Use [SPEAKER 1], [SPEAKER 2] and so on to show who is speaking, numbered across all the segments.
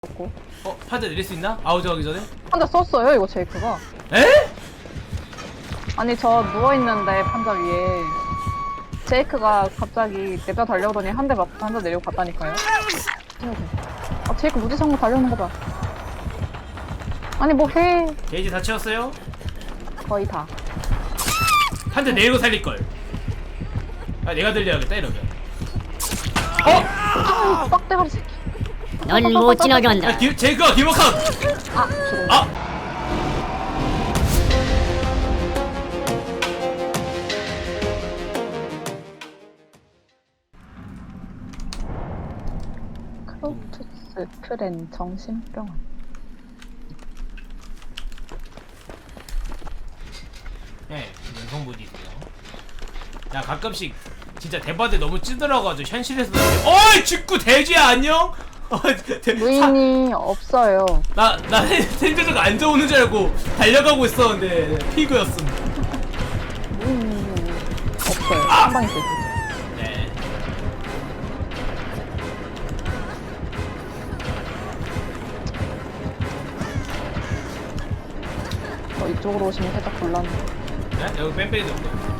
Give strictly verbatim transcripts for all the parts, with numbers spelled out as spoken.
[SPEAKER 1] 없고.
[SPEAKER 2] 어? 판자 내릴 수 있나? 아우저 가기 전에?
[SPEAKER 1] 판자 썼어요 이거 제이크가.
[SPEAKER 2] 에?
[SPEAKER 1] 아니 저 누워있는데 판자 위에 제이크가 갑자기 냅다 달려오더니 한 대 맞고 판자 내리고 갔다니까요. 아 제이크 무지성으로 달려오는 거 봐. 아니 뭐해.
[SPEAKER 2] 게이지 다 채웠어요?
[SPEAKER 1] 거의 다.
[SPEAKER 2] 판자 내리고 살릴걸. 아 내가 들려야겠다 이러면. 어?
[SPEAKER 1] 빡대가리 새끼.
[SPEAKER 3] 넌 못 지나간다.
[SPEAKER 2] 야, 기, 제이크가 기목함!
[SPEAKER 1] 아 죽었네.
[SPEAKER 2] 아!
[SPEAKER 1] 크로투스 프렌 정신병원.
[SPEAKER 2] 네, 연성분이 있어요. 야 가끔씩 진짜 대바대 너무 찌들어가지고 현실에서도 어이 직구 돼지야 안녕? 어, 대-
[SPEAKER 1] 무인이 없어요.
[SPEAKER 2] 나, 나 생존자가 앉아오는 줄 알고 달려가고 있었는데 피그였음.
[SPEAKER 1] 무인이 없어요.
[SPEAKER 2] 아!
[SPEAKER 1] 한 방에 쓰지.
[SPEAKER 2] 네.
[SPEAKER 1] 어, 이쪽으로 오시면 살짝 곤란해.
[SPEAKER 2] 네? 여기 뺑뺑이도 없고.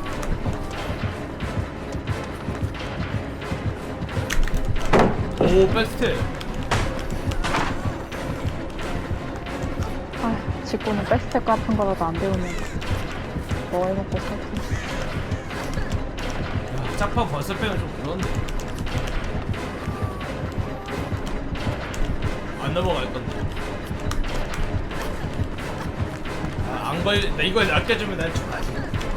[SPEAKER 2] 오, 백스텝.
[SPEAKER 1] 아, 직구는 백스텝 같은 거라도 안 배우면 뭐 해먹고 살지.
[SPEAKER 2] 야, 짝파 벌써 빼면 좀 그런데. 안 넘어갈 건데. 아, 안 걸, 나 이걸 아껴주면 난 좋아하지.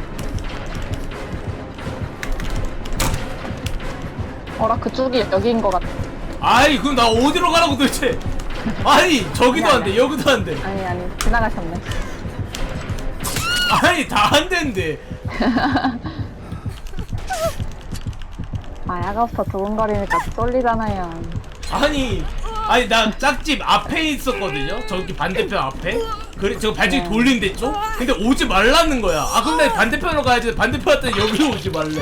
[SPEAKER 1] 어라 그쪽이 여기인 것 같아.
[SPEAKER 2] 아이, 그럼 나 어디로 가라고 도대체? 아니, 저기도 안 돼, 여기도 안 돼.
[SPEAKER 1] 아니 아니 지나가셨네.
[SPEAKER 2] 아니, 다 안 된대.
[SPEAKER 1] 아 야가부터 두근거리니까 쏠리잖아요.
[SPEAKER 2] 아니, 아니 나 짝집 앞에 있었거든요. 저기 반대편 앞에. 그래, 저 발전기
[SPEAKER 1] 네.
[SPEAKER 2] 돌린데 좀. 근데 오지 말라는 거야. 아, 그럼 나 반대편으로 가야지. 반대편 왔더니 여기로 오지 말래.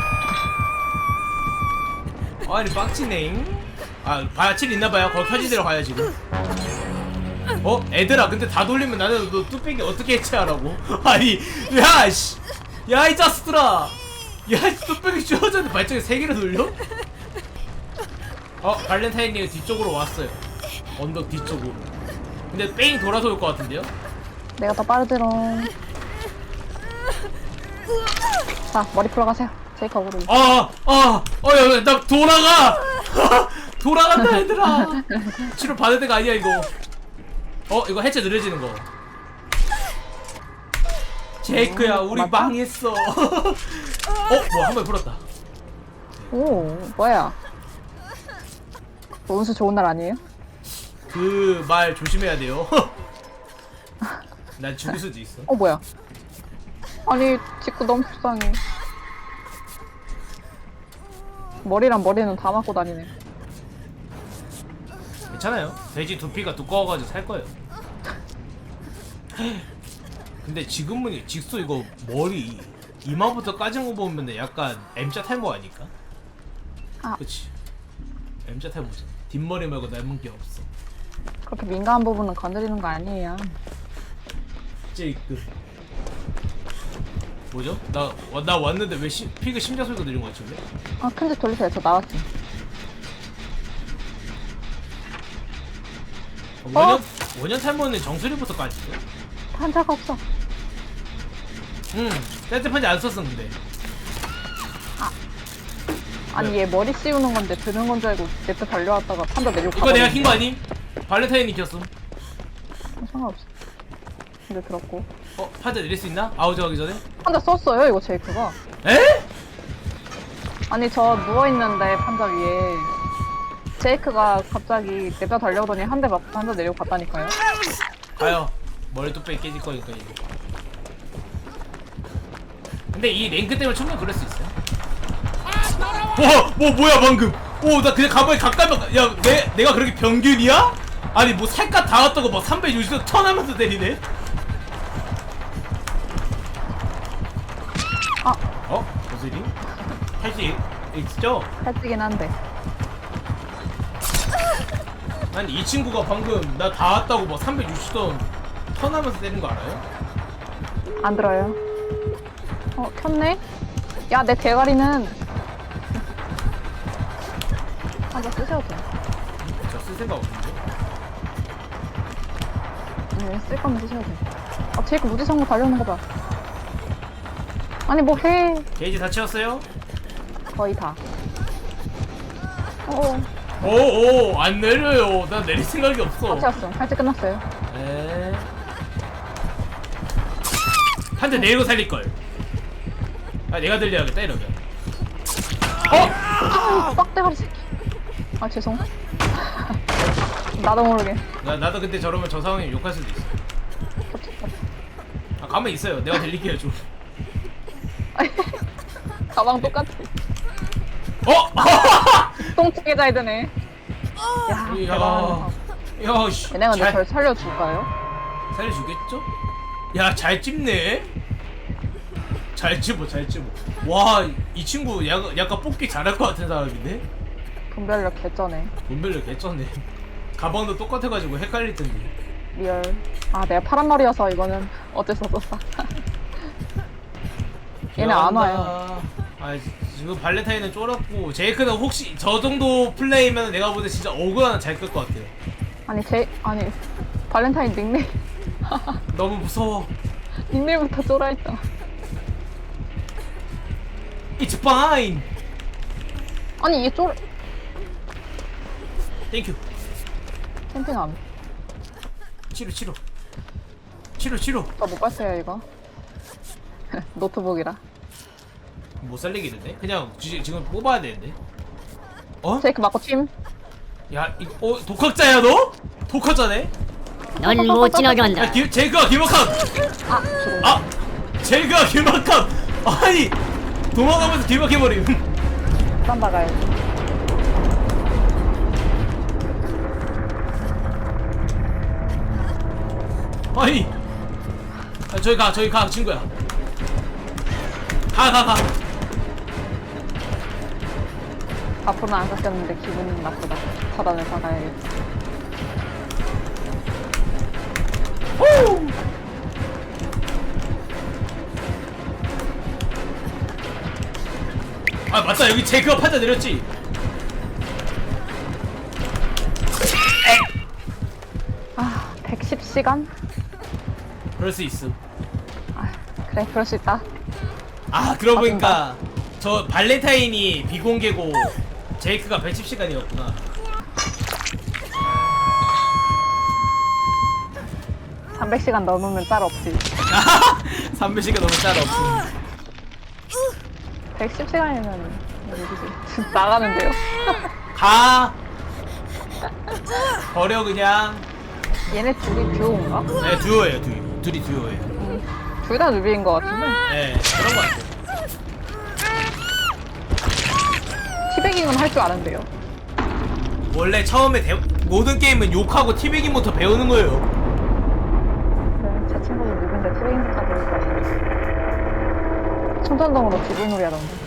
[SPEAKER 2] 아니 빡치네. 아, 바칠 있나봐요. 거기 켜지대로 가야 지금. 어? 애들아, 근데 다 돌리면 나는 너 뚝배기 어떻게 해체하라고? 아니, 야, 씨. 야, 이 자스들아. 야, 뚝배기 쥐어졌는데 발전기 세 개를 돌려? 어, 발렌타인님이 뒤쪽으로 왔어요. 언덕 뒤쪽으로. 근데 뺑 돌아서 올 것 같은데요?
[SPEAKER 1] 내가 더 빠르드롱. 자 머리 풀어 가세요. 제이크 어그로.
[SPEAKER 2] 아, 아, 어, 야, 나 돌아가! 돌아간다, 얘들아! 치료 받을 때가 아니야, 이거. 어, 이거 해체 느려지는 거. 제이크야, 우리
[SPEAKER 1] 맞다?
[SPEAKER 2] 망했어. 어, 뭐, 한 번 풀었다.
[SPEAKER 1] 오 뭐야? 뭐 운수 좋은 날 아니에요?
[SPEAKER 2] 그 말 조심해야 돼요. 난 죽을 수도 있어.
[SPEAKER 1] 어 뭐야? 아니 직구 너무 불쌍해. 머리랑 머리는 다 맞고 다니네.
[SPEAKER 2] 괜찮아요. 돼지 두피가 두꺼워가지고 살 거예요. 근데 지금은 직소 이거 머리 이마부터 까진 거 보면 약간 M자 탈모 아닐까?
[SPEAKER 1] 아.
[SPEAKER 2] 그치. M자 탈모죠. 뒷머리 말고 남은 게 없어.
[SPEAKER 1] 그렇게 민감한 부분은 건드리는 거 아니에요.
[SPEAKER 2] 제이크. 뭐죠? 나, 와, 나 왔는데 왜 시, 피그 심장 소리가 들린 거 같은데?
[SPEAKER 1] 아 큰 집 돌리세요. 저 나왔어.
[SPEAKER 2] 어, 원년, 원년 탈모는 정수리부터 까지죠?
[SPEAKER 1] 환자가 없어.
[SPEAKER 2] 응. 떼떼 판지 안 썼어 근데.
[SPEAKER 1] 아니
[SPEAKER 2] 네.
[SPEAKER 1] 얘 머리 씌우는 건데 드는 건 줄 알고 냅다 달려왔다가 판자 내리고
[SPEAKER 2] 이거 내가
[SPEAKER 1] 가버렸네.
[SPEAKER 2] 킨 거 아님? 발렌타인이 켰음.
[SPEAKER 1] 어, 상관없어. 근데 들었고.
[SPEAKER 2] 어? 판자 내릴 수 있나? 아우저 가기 전에?
[SPEAKER 1] 판자 썼어요 이거 제이크가.
[SPEAKER 2] 에?
[SPEAKER 1] 아니 저 누워있는데 판자 위에 제이크가 갑자기 냅다 달려오더니 한 대 맞고 판자 내리고 갔다니까요.
[SPEAKER 2] 가요. 머리 뚝배기 깨질 거니까 이제. 근데 이 랭크 때문에 충분히 그럴 수 있어요. 와, 뭐 뭐야 방금? 오, 나 그냥 가만히 가까이 막, 야, 내 내가 그렇게 병균이야? 아니 뭐 살갗 닿았다고 막 삼백육십 도 턴하면서 때리네.
[SPEAKER 1] 아
[SPEAKER 2] 어? 무슨 일? 할수 있죠?
[SPEAKER 1] 살찌긴 한데.
[SPEAKER 2] 아니 이 친구가 방금 나 다 왔다고 뭐 삼백육십 돈 턴하면서 때린 거 알아요?
[SPEAKER 1] 안 들어요. 어, 켰네? 야, 내 대가리는. 아, 나 쓰셔도 돼.
[SPEAKER 2] 저 쓸 생각 없는데?
[SPEAKER 1] 네, 쓸 거면 쓰셔도 돼. 아, 제이크 무지성으로 달려오는 거 봐. 아니, 뭐 해.
[SPEAKER 2] 게이지 다 채웠어요?
[SPEAKER 1] 거의 다. 어,
[SPEAKER 2] 오오 안 내려요. 나 내릴 생각이 없어.
[SPEAKER 1] 다 채웠어. 할때 끝났어요.
[SPEAKER 2] 에. 한 대 내리고 살릴 걸. 아 내가 들려야겠다 이러면.
[SPEAKER 1] 아, 빡대가리 새끼. 아, 죄송. 나도 모르게.
[SPEAKER 2] 나 나도 그때 저러면 저 상황에 욕할 수도 있어. 아 가만 히 있어요. 내가 들릴게요 좀.
[SPEAKER 1] 가방 똑같아.
[SPEAKER 2] 어?
[SPEAKER 1] 똥치게 잘 되네. 야,
[SPEAKER 2] 야,
[SPEAKER 1] 대단하다.
[SPEAKER 2] 야, 씨.
[SPEAKER 1] 얘네 근데
[SPEAKER 2] 잘
[SPEAKER 1] 절 살려줄까요?
[SPEAKER 2] 살려주겠죠? 야, 잘 찝네. 잘 찝어, 잘 찝어. 와, 이 친구 약간, 약간 뽑기 잘할 것 같은 사람인데?
[SPEAKER 1] 분별력 개쩌네.
[SPEAKER 2] 분별력 개쩌네. 가방도 똑같아가지고 헷갈릴 텐데.
[SPEAKER 1] 리얼. 아, 내가 파란 머리여서 이거는 어쩔 수 없었어. 얘네 안 와요.
[SPEAKER 2] 아, 지금 발렌타인은 쫄았고 제이크는 혹시 저 정도 플레이면 내가 볼 때 진짜 어그 하나 잘 끌 것 같아요.
[SPEAKER 1] 아니, 제, 아니, 발렌타인 닉네임.
[SPEAKER 2] 너무 무서워.
[SPEAKER 1] 닉네임부터 쫄아있다.
[SPEAKER 2] It's fine.
[SPEAKER 1] 아니, 이게 쫄,
[SPEAKER 2] 땡큐.
[SPEAKER 1] 캠핑함.
[SPEAKER 2] 치료, 치료. 치료, 치료.
[SPEAKER 1] 저못 봤어요, 이거. 노트북이라.
[SPEAKER 2] 못 살리겠는데? 그냥 지, 지금 뽑아야 되는데. 어?
[SPEAKER 1] 제이크 맞고 팀.
[SPEAKER 2] 야, 이, 어, 독학자야 너? 독학자네?
[SPEAKER 3] 넌 못 지나게
[SPEAKER 2] 야,
[SPEAKER 3] 한다.
[SPEAKER 2] 기, 제이크가 길막함!
[SPEAKER 1] 아, 죽어.
[SPEAKER 2] 아! 제이크가 길막함! 아니! 도망가면서 길막해버림.
[SPEAKER 1] 딴 나가야지.
[SPEAKER 2] 아니! 아, 저기 가, 저기 가, 친구야. 가, 가, 가.
[SPEAKER 1] 앞으로는 안 깎였는데 기분 나쁘다. 차단을 받아야겠다.
[SPEAKER 2] 후! 아, 맞다. 여기 제이크가 판자 내렸지?
[SPEAKER 1] 아, 백십 시간?
[SPEAKER 2] 그럴 수 있음.
[SPEAKER 1] 아, 그래, 그럴 수 있다.
[SPEAKER 2] 아, 그러고 보니까 저 발렌타인이 비공개고 제이크가 백십 시간이었구나.
[SPEAKER 1] 삼백 시간 넘으면 짤 없지.
[SPEAKER 2] 삼백 시간 넘은 짤 없음.
[SPEAKER 1] 백십 시간이면 어디지? 나가는데요.
[SPEAKER 2] 가. 버려 그냥.
[SPEAKER 1] 얘네 둘이 듀오인가?
[SPEAKER 2] 네, 듀오예요, 듀오. 둘이 듀오예요.
[SPEAKER 1] 둘 다 누비인 것 같은데.
[SPEAKER 2] 네, 그런 거 같아요.
[SPEAKER 1] 티베깅은 할 줄 아는데요.
[SPEAKER 2] 원래 처음에 대, 모든 게임은 욕하고 티베깅부터 배우는 거예요.
[SPEAKER 1] 네, 제 친구도 누군데 티베깅부터 배울 것 같아요. 손전등으로 지불놀이 하던데.